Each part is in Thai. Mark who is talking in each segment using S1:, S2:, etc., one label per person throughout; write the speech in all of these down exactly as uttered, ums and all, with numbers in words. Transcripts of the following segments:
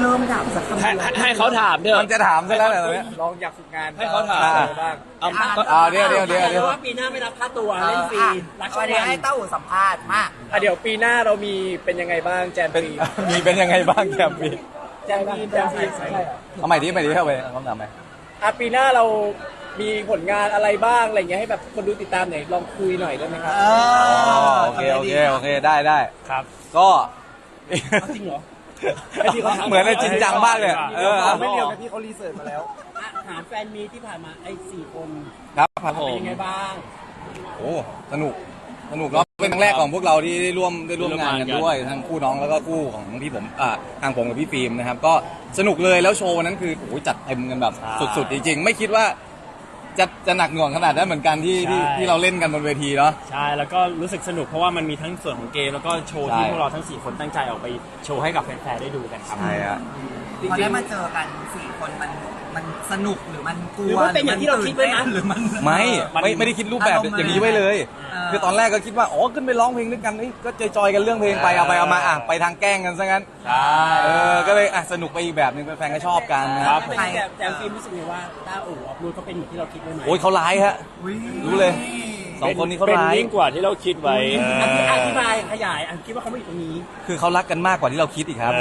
S1: เริ่มถามสักคำ
S2: ให้ให้เขาถามเถอะ
S3: มันจะถามซะแล้วเหรอเนี่ย
S4: ลองอยากฝึกงาน
S2: ให้เขาถาม
S4: บ้าง
S2: เอา
S3: อ่าเดี๋ยวเดี๋ยวเดี๋ยวเดี๋ยว
S1: ว่าปีหน้าไม่รับค่าตัวเล่นฟรีรักช่วยให้เต้าหู้สัมภาษณ์มาก
S4: อ่ะเดี๋ยวปีหน้าเรามีเป็นยังไงบ้างแจม
S3: เป็น
S4: ปี
S3: มีเป็นยังไงบ้างแคมปี
S4: แจมปีแจมปีใช่
S3: เอาใหม่ดิใหม่ดิเข้าไปคำถามไหม
S4: อ่ะปีหน้าเรามีผลงานอะไรบ้างอะไรเงี้ยให้แบบคนดูติดตามหน่อยลองคุยหน่อยได้ไหมครับ
S1: เอ
S3: อ๋อ
S1: อ
S3: โอเคโอเคโอเคได้ได้
S2: ครับ
S3: ก็
S4: จริงเหรอ
S3: เหมือนในจริงจังมากเลยเออ
S4: ไม่เรียวนะพี่เขารีเสิร์ชมาแล้ว
S1: ถามแฟนมีที่ผ่านมาไอ้สี่คน
S3: ครับครับผ
S1: เป็น
S3: ม
S1: ยังไงบ้าง
S3: โอ้สนุกสนุกเนาะเป็นครั้งแรกของพวกเราที่ได้ร่วมได้ร่วมงานกันด้วยทั้งคู่น้องแล้วก็คู่ของพี่ผมอ่าทางผมกับพี่ฟิล์มนะครับก็สนุกเลยแล้วโชว์วันนั้นคือโอ้ยจัดเต็มกันแบบสุดๆจริงๆไม่คิดว่าจะจะหนักหน่วงขนาดนั้นเหมือนกันที่ที่ที่เราเล่นกันบนเวทีเนาะ
S5: ใช่แล้วก็รู้สึกสนุกเพราะว่ามันมีทั้งส่วนของเกมแล้วก็โชว์ที่
S3: ใช่
S5: พวกเราทั้งสี่คนตั้งใจออกไปโชว์ให้กับแฟนๆได้ดูกันครับ
S3: ใช่ฮะ
S1: พอได้มาเจอกันสี่คนมันมันสนุกหรือมันกลัว
S4: หรือว่าเป็นอย่างที่เราคิดไว้นะ
S1: หรือมัน
S3: ไม่ไม่ไม่ได้คิดรูปแบบ
S1: อารมณ์
S3: อย่างนี้ไว้เลย
S1: เออ
S3: คือตอนแรกก็คิดว่าอ๋อขึ้นไปร้องเพลงด้วยกันเอ้ยก็จอยๆกันเรื่องเพลงไปเอาไปเอามาอ่ะไปทางแกล้งกันซะงั้น
S5: ใช่
S3: เออก็เลยอ่ะสนุกไปอีกแบบหนึงแฟนๆก็ชอบกันนะครับ
S1: ใคร
S4: แต่แต่ฟิล์มรู้สึกไงว่าต้าอู่ออฟรูดเขาเป็นอย่างที่เราคิดไว้ไหม
S3: โอ้ยเขาร้ายฮะ
S1: อุ๊ย
S3: รู้เลย สองคนนี้เขา
S2: เป็น
S3: ร้าย
S2: ยิ่งกว่าที่เราคิดไว้
S4: อธิอธิบายขยายอันคิดว่าเขาไม่อยู่ตรงนี้
S3: คือเขารักกันมากกว่าที่เราคิดอีกครับ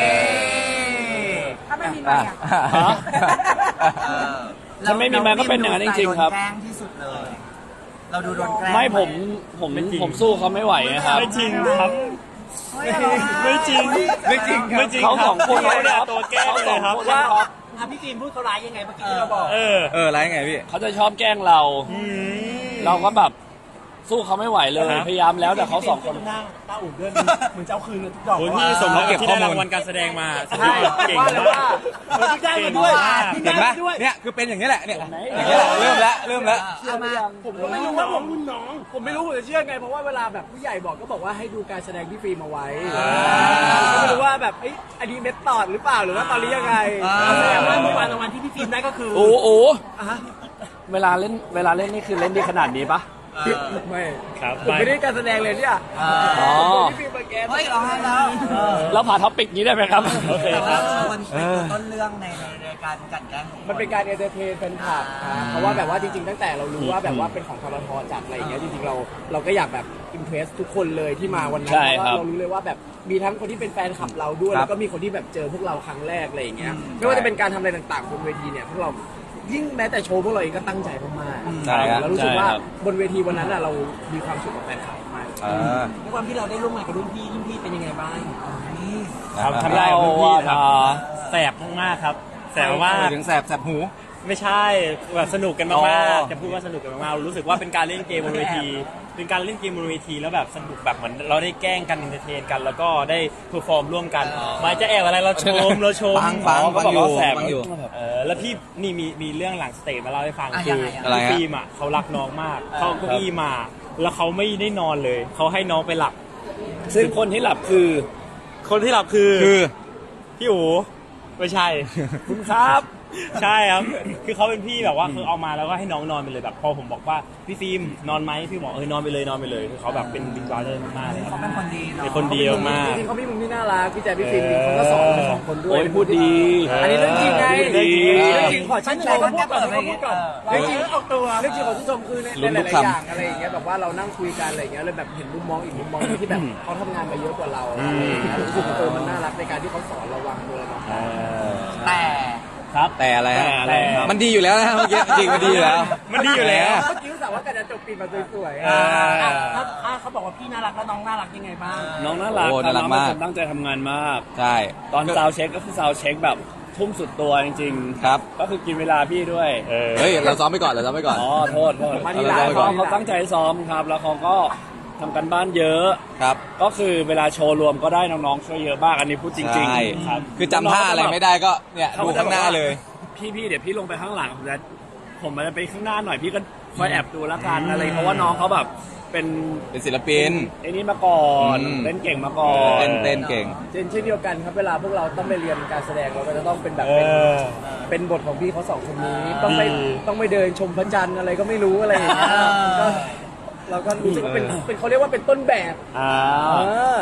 S1: ถ้าไม่มี
S3: อ่ะ
S2: ฮะ
S1: เออ
S2: ถ้าไม่มีไมค์ก็เป็นอย่างนั้นจริงๆครับ
S1: โดนแกล้งที่สุดเลย เราดูโดนแกล้ง
S2: ไม่ผมผมผมสู้เขาไม่ไหวนะครับ
S5: ไม่จริงครับ ไม่จริง
S3: ไม่จริงครับ
S5: ไม่จริง
S2: เขาสองคน
S5: เขาเนี่ย
S2: ครับ
S5: ตัวแกล้งเลยครับ
S2: ว่า
S4: อ่ะพี่ฟิล์มพูดเขาร้ายยังไงเมื่อกี้ที่เราบอก
S5: เออ
S3: เออร้ายไงพี่
S2: เขาจะชอบแกล้งเรา เราก็แบบสู้เขาไม่ไหวเลย
S5: ครับ
S2: พยายามแล้วแต่เขาสองคน
S4: หน้าต้าอู่ด้วยมึงจะเอาคืนเลยทุกดอก
S5: โอ้ยพี่สม
S3: เขา
S5: แล้ว
S3: เก็
S5: กับบ ที่
S3: ข้อ
S5: ได้
S3: มูล
S5: รางวัลการแสดงมา
S4: ใช่
S5: เก่ง
S4: ว่าแล้ว
S5: มา
S4: ว่าก เออได้มาด้วย
S5: เก่งมาก
S3: เห็นไหม
S4: ด้วย
S3: เนี่ยคือเป็นอย่างนี้แหละเนี่ยอย่างนี้แหละเริ่มแล้วเริ่มแล้ว
S1: เอามา
S4: ผมก็ไม่รู้ว่าผมรุ่นน้อง ผมไม่รู้ผมจะเชื่อไงเพราะว่าเวลาแบบผู้ใหญ่บอกก็บอกว่าให้ดูการแสดงที่ฟิล์มเอาไว้ผมก็ไม่รู้ว่าแบบเอ้ยอันนี้เม็ดตอดหรือเปล่าหรือว่าตอนนี้ยังไง
S1: อ่า
S4: แสดงว่าเมื่อวานรางวัลที่พี่ฟิล์มได้ก็คือ
S2: โอ้โห
S4: อ่ะฮะ
S2: เวลาเล่นเวลาเล่นนี่คือเล่นดีขนาดนี้ปะ
S4: ไม่
S5: ครับ
S4: ผมไม่ได้การแสดงเลยเนี่ย
S2: อ๋อ
S4: พี่ฟิล์มมาแกน
S1: เฮ้ยเราให้แล้ว
S2: เราผ่านท็อปิกนี้ได้ไหมครับ
S5: โอเค
S1: แต่
S5: ค
S1: ว่า
S5: รับ
S1: มันเป็นตัวต้นเรื่องในในในการกลั่นแกล้งของค
S4: มันเป็นการเอนเตอร์เทนแฟนคลับ
S1: อ่า
S4: เพราะว่าแบบว่าจริงๆตั้งแต่เรารู้ว่าแบบว่าเป็นของทรทจัดอะไรอย่างเงี้ยจริงๆเราเราก็อยากแบบอิมเพรสทุกคนเลยที่มาวันนั้น
S2: ใช่
S4: เพราะ
S2: ครั
S4: ว่า
S2: บ
S4: เรารู้เลยว่าแบบมีทั้งคนที่เป็นแฟนคลับเราด้วย
S3: ครับ
S4: แล้วก็มีคนที่แบบเจอพวกเราครั้งแรกอะไรอย่างเงี้ยไม่ว่าจะเป็นการทำอะไรต่างๆบนเวทีเนี่ยพวกเรายิ่งแม้แต่โชว์พวกเราเองก็ตั้งใจมากๆ
S3: ใช่ครับ
S4: แล้วรู้สึกว่า
S2: ใช่ครับ
S4: บนเวทีวันนั้นอะเรามีความสุขกับแฟนคลับมาก
S3: เออ
S4: ด้วยความที่เราได้ร่วมงานกับรุ่นพี่รุ่นพี่เป็นยังไงบ้าง
S5: ครับทำได้กับพี่ครับแสบมากๆครับแสบมาก
S3: ไปถึงแสบแสบหู
S5: ไม่ใช่แบบสนุกกัน
S3: อ๋
S5: มาก
S3: อ
S5: ๆจะพูดว่าสนุกกันมากๆรู้สึกว่าเป็นการเล่นเกมบนเวที เป็นการเล่นเกมบนเวทีแล้วแบบสนุกแบบเหมือนเราได้แกล้งกันเอนเตอร์เทนกัน แล้วก็ได้เพอร์ฟอร์มร่วมกันไมาจะแอบอะไรเราชมเราชม
S3: ฟังฟัง
S5: อ๋อ
S3: ฟัง
S5: เขาบ
S3: อยู่
S5: กว่าแสบ
S3: ฟังอยู่
S5: เออแล้วพี่นี่มีมีเรื่องหลังสเตจมาเล่าให้ฟัง
S1: อ่ะ
S5: คื
S1: ยัง
S5: อ
S1: ไงอ่ะ
S3: อะไรฮะ
S5: ฟิล์มอ่ะเขารักน้องมากเขาเอาเก้าอี้มา แล้วเขาไม่ได้นอนเลยเขาให้น้องไปหลับ
S2: ซึ่งคนที่หลับคือ
S5: คนที่หลับคือ
S3: คือ
S5: พี่อู๋ไม่ใช่
S2: คุณครับ
S5: ใช่ครับ คือเขาเป็นพี่แบบว่าคือเอามาแล้วก็ให้น้องนอนไปเลยแบบพอผมบอกว่าพี่ฟิล์มนอนไหมพี่บอกเออนอนไปเลยนอนไปเลยคือเขาแบบเป็นบิ๊กบราเธอร์มากๆเลยครับ
S1: เขาเป็นคนดีเนาะ
S5: เป็นคนดีมาก
S4: จริงๆเขามีมุมที่น่ารักพี่แจ๊คพี่ฟิล์มจริงๆเขาก็สอนเราสองคนด้วย
S2: โอ้ยพูดดี
S4: อันนี้เรื่องจริงไง
S5: พูดดี
S4: เรื่องจริงขอชื่นชมเขาพูดก่อนเขาพูดก่อนเรื่องจริงออกตัวเรื่องจริงขอชื่นชมคือใน
S3: ลุ้น
S4: ห
S3: ทุ
S4: ลาก ยๆ
S3: คำ
S4: อย่างอะไรอย่างเงี้ยแบบว่าเรานั่งคุยกันอะไรอย่างเงี้ยเลยแบบเห็นมุมมองอีกมุมมองหนึ่งที่แบบเขาทำงานมาเยอะกว่าเราอะไรอย่างเงี้ยรู้สึกว่าเออมันน่ารักในการที่เขาสอนเราวางตัวเรา
S5: ๆเออ
S1: แต่
S5: ครับ
S3: แต่อะไรฮะ
S5: แต่อะไรครับ
S3: มันดีอยู่แล้วนะเมื่อกี้จริงมันดีอยู่แล้ว
S5: มันดีอยู่แล้ว
S4: เมื่อกี้รู้สึกว่าการจะจบปีมาสวยๆ
S5: อ่า
S4: อ่ะถ้าถ้าเขาบอกว่าพี่น่ารักแล้วน้องน่ารักยังไงบ้าง
S2: น้องน่ารัก
S3: โอ้น่ารัก
S2: น้องเป็น
S3: มาก
S2: คนตั้งใจทำงานมาก
S3: ใช่
S2: ตอนซาวด์เช็คก็คือซาวด์เช็คแบบทุ่มสุดตัวจริงๆ
S3: ครับ
S2: ก็คือกินเวลาพี่ด้วย
S5: เออ
S3: เฮ้ยเราซ้อมไปก่อนเราซ้อมไปก่อน
S2: อ๋อโทษโทษ
S4: มาทีหลัง
S2: เขาเขาตั้งใจซ้อมครับ แล้วเขาก็ทำกันบ้านเยอะ
S3: ครับ
S2: ก็คือเวลาโชว์รวมก็ได้น้องๆช่วยเยอะมากอันนี้พูดจริง
S3: ใช่
S2: ๆครับ
S3: คือจำท่าอะไรไม่ได้ก็เนี่ยดูข้างหน้าเลย
S2: พี่พี่เดี๋ยวพี่ลงไปข้างหลังผมจะผมมันจะไปข้างหน้าหน่อยพี่ก็คอยแอบดูแล้วกันอะไรเพราะว่าน้องเขาแบบเป็น
S3: เป็นศิลปิน
S2: ไอ้นี่มาก่อน
S3: อืม
S2: เล่นเก่งมาก่อน
S3: เต้นเต้นเก่ง
S4: เช่นเช่นเดียวกันครับเวลาพวกเราต้องไปเรียนการแสดงเราก็จะต้องเป็นแบบ
S5: เอ
S4: เป็น
S5: อ
S4: เป็นบทของพี่เขาสองคนนี้ต้องไป
S5: ดี
S4: ต้องไปเดินชมพระจันทร์อะไรก็ไม่รู้อะไรอย่างเงี้ยก็เราก็รู้สึกว่าเป็นเป็นเขาเรียกว่าเป็นต้นแบบ
S5: อ่า
S4: เออ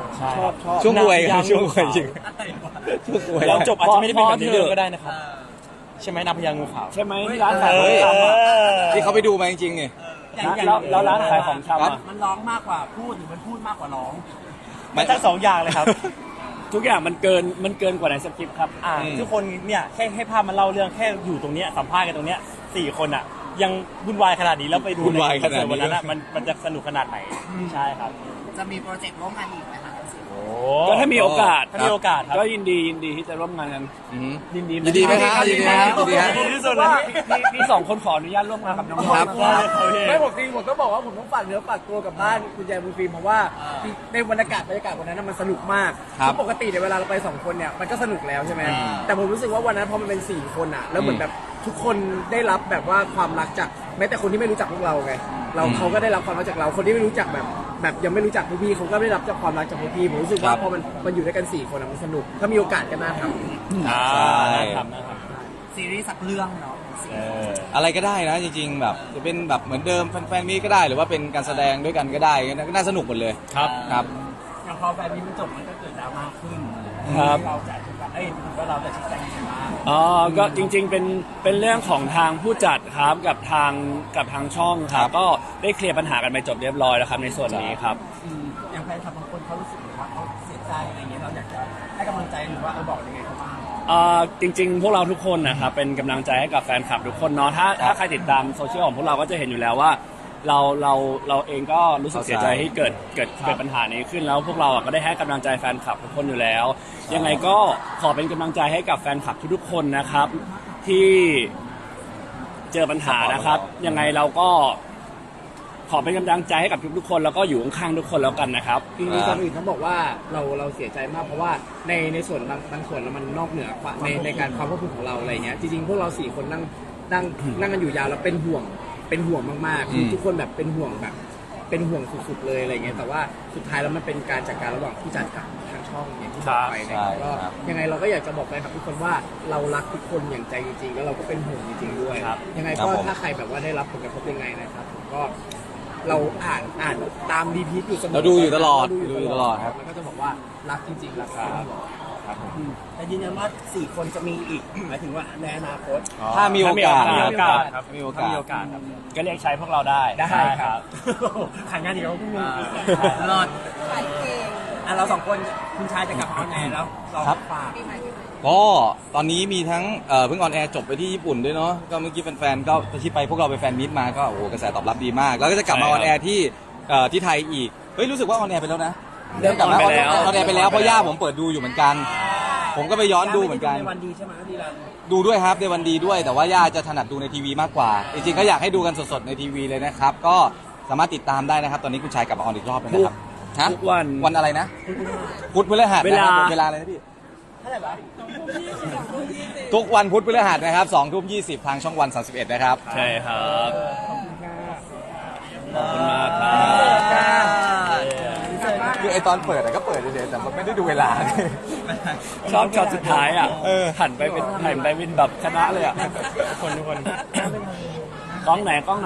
S5: ใช่
S4: ชอบชอบ
S3: ช่วงอวย
S5: นางพญา
S3: ช่วงอวยจริง
S1: อะไรวะ
S3: ช่วงอวย
S5: เราจบอาจจะไม่ได้เป็นแบบนี้เลยก็ได้นะครับ ใช่ไหมนางพญางูขาว
S2: ใช่ไหมที่ร้านขายข
S5: เอ
S2: องชำอะ
S5: อ
S3: ที่เขาไปดูมาจริงๆไง
S2: แล้วแล้วร้านขายของชำ
S3: ครั
S2: อะ
S3: บ
S1: มันร้องมากกว่าพูดหรือมันพูดมากกว่าร้อง
S5: มันทั้งสองอย่างเลยครับ
S2: ทุกอย่างมันเกินมันเกินกว่าในสคริปต์ครับ
S5: อ่า
S3: อืม
S5: ทุกคนเนี่ยแค่ให้ภาพมันเล่าเรื่องแค่อยู่ตรงเนี้ยสัมภาษณ์กันตรงเนี้ยสี่คนอ่ะ ยังวุ่นวายขนาดนี้แล้วไปดู
S3: วุ่นวายขนาดนี้
S5: ใคอนเสิร์ตวันนั้นอะมันมันจะสนุกขนาดไหนใช่ครับ
S1: จะมีโปรเจกต์ร่วมงานอีกไหมคะ
S5: โอ้
S2: ก็ถ้ามีโอกาส
S5: ถ้ามีโอกาสครับ
S2: ก็ยินดียินดีที่จะร่วมงานกัน
S3: อือหือ
S2: ยินดี
S3: ยินดีไหมครับยินดีไหมครับยินดีฮะ
S5: ยินดีที่สุดเลย
S2: ว่าพี่พี่สองคนขออนุญาตร่วมงานกับน้อง
S3: ครับ
S2: ๆ
S5: ได้เลยครับพี่
S4: ไม่ผมจริงผมต้องบอกว่าผมต้องฝากเนื้อฝากตัวกับบ้านคุณยายบุญฟิล์มเพราะว่าในบรรยากาศบรรยากาศวันนั้นนะมันสนุกมาก
S3: ครับ
S4: ปกติเนี่ยเวลาเราไปสองคนเนี่ยมันก็สนุกแล้วใช่ไหม
S3: อืม
S4: แต่ผมรู้สึกว่าวันนั้นพอมันเป็นสี่คนอ่ะแล้วเหมือ
S3: อื
S4: น
S3: ม
S4: แบบทุกคนได้รับแบบว่าความรักจากแม้แต่คนที่ไม่รู้จักพวกเราไงเรา
S3: อืม
S4: เขาก็ได้รับความรักจากเราคนที่ไม่รู้จักแบบแบบยังไม่รู้จักพวกพี่เขาก็ได้รับจากความรักจากพวกพี่ผมรู้สึกว่า
S3: ครับ
S4: พอมันมันอยู่ด้วยกันสี่คนอะมันสนุกถ้ามีโอกาสก็น่าทำ
S5: อ่า
S3: ใช่
S5: น่าทำน่าท
S1: ซีรีส์สักเรื่องเนาะ
S5: ำเออ
S3: อะไรก็ได้นะจริงๆแบบจะเป็นแบบเหมือนเดิมแฟนๆมีก็ได้หรือว่าเป็นการแสดงด้วยกันก็ได้ก็น่าสนุกหมดเลย
S5: ครับ
S3: ครับ
S1: อย่างพอแฟนมีมันจบมันก็เกิดดราม่าขึ้น
S2: ครับ
S1: เราจะเอ้ยถือว่าเราจะชี้แจงยังไงบ้าง
S2: อ๋อก็จริงๆเป็นเป็นเรื่องของทางผู้จัดครับกับทางกับทางช่องครั
S3: ครับ บ
S2: ก็ได้เคลียร์ปัญหากันไปจบเรียบร้อยแล้วครับในส่วนนี้ครับ
S1: อืมอย่างแฟนคลับบางคนเขารู้สึกว่าเขาเสียใจอะไรเงี้ยเราอยากจะให้กำลังใจหรือว่าเออบอกยังไงเขาบ้าง
S2: เอ่อจริงๆ พวกเราทุกคนนะครับเป็นกำลังใจให้กับแฟนคลับทุกคนเนาะถ้าถ้าใครติดตามโซเชียลของพวกเราก็จะเห็นอยู่แล้วว่า เราเราเราเองก็รู้สึกเสียใจที่เกิดเกิดเกิดปัญหานี้ขึ้นแล้วพวกเราอ่ะก็ได้ให้กำลังใจแฟนคลับทุกคนอยู่แล้ว ยังไงก็ขอเป็นกำลังใจให้กับแฟนคลับทุกๆคนนะครับ ที่เจอปัญหานะครับ ยังไงเราก็ขอเป็นกำลังใจให้กับทุกๆคนแล้วก็อยู่ข้างๆทุกคนแล้วกันนะครับ
S4: จริงๆคนอื่นเขาบอกว่าเราเราเสียใจมากเพราะว่าในในส่วนบางบางส่วนแล้วมันนอกเหนือความในในการความควบคุมของเราอะไรเงี้ยจริงๆพวกเราสี่คนนั่งนั่งนั่งกันอยู่ยาวแล้วเป็นห่วงเป็นห่วงมากๆคือ
S3: อืม
S4: ทุกคนแบบเป็นห่วงแบบ เป็นห่วงสุดๆเลยอะไรเงี้ยแต่ว่าสุดท้ายแล้วมันเป็นการจัดการระหว่างผู้จัดกับทางช่องอย่างที่บอกไปนะครับก็ยังไงเราก็อยากจะบอกไปกับทุกคนว่าเรารักทุกคนอย่างใจจริงๆแล้วเราก็เป็นห่วงจริงๆด้วย
S5: ครับ
S4: ยังไงก็ถ้าใครแบบว่าได้รับผลกระทบยังไงนะครับผมก็ เราอ่านอ่านตามรีพีทอยู่เสมอ
S3: เราดูอยู่ตลอด
S4: เราดูอยู่
S3: ดูอยู่ตลอดครับ
S4: แล้วก็จะบอกว่ารักจริงๆรักครับ
S1: แต่ยืนยันว่าสี่คนจะมีอีกหมายถึงว่าในอนาคต
S3: ถ้ามีโอกาส
S5: ถ้ามีโอกาสครับ
S3: มีโอกาส
S5: ถ้ามีโอกาสครับ
S2: ก็เรียกใช้พวกเราได้
S4: ได้ครับ
S1: ขายงานอีกแล้วพวกมึงรอดอ่ะเราสองคนคุณชายจะกลับมาออนแอร์แล้วเรา
S3: ครับ
S1: ฝาก
S3: ก็ตอนนี้มีทั้งเอ่อเพิ่งออนแอร์จบไปที่ญี่ปุ่นด้วยเนาะก็เมื่อกี้แฟนๆก็ที่ไปพวกเราไปแฟนมิตมาก็โอ้โหกระแสตอบรับดีมาก แล้วก็จะกลับมาออนแอร์ที่เอ่อที่ไทยอีกเฮ้ยรู้สึกว่าออนแอร์ไปแล้วนะ
S2: เริ่ม
S3: กลับมา
S2: ออนไปแล้ว
S3: ออนแอร์ไปแล้วเพราะย่าผมเปิดดูอยู่เหมือนกัน ผมก็ไปย้อนดูเหมือนกัน
S1: ในวันดีใช่ไหมดีแล้ว
S3: ดูด้วยครับในวันดีด้วย แต่ว่าย่าจะถนัดดูในทีวีมากกว่า จริงๆก็อยากให้ดูกันสดๆในทีวีเลยนะครับ ก็สามารถติดตามได้นะครับ ตอนนี้คุณชายกลับมาออนอีกรอบเลยนะครับฮะ
S2: ทุกวัน
S3: วันอะไรนะพุธพฤหัสนะครับ
S2: เวลา
S3: ผมเวลาอะไรนะพี่
S1: เท่าไหร่วะ
S3: ทุกวันพุธพฤหัสนะครับสองทุ่มยี่สิบทางช่องวันสามสิบเอ็ดนะครับ
S2: ใช่ครับขอบคุณมากครับ
S3: คือไอตอนเปิดอะก็เปิดเฉยๆแต่มันไม่ได้ดูเวลา
S2: ชอบช็อตสุดท้ายอ่ะ
S3: เออ
S2: หันไปเป็นหันไปเป็นแบบชนะเลยอ่ะ
S5: ทุกคนทุกคน
S2: กล้องไหนกล้องไหน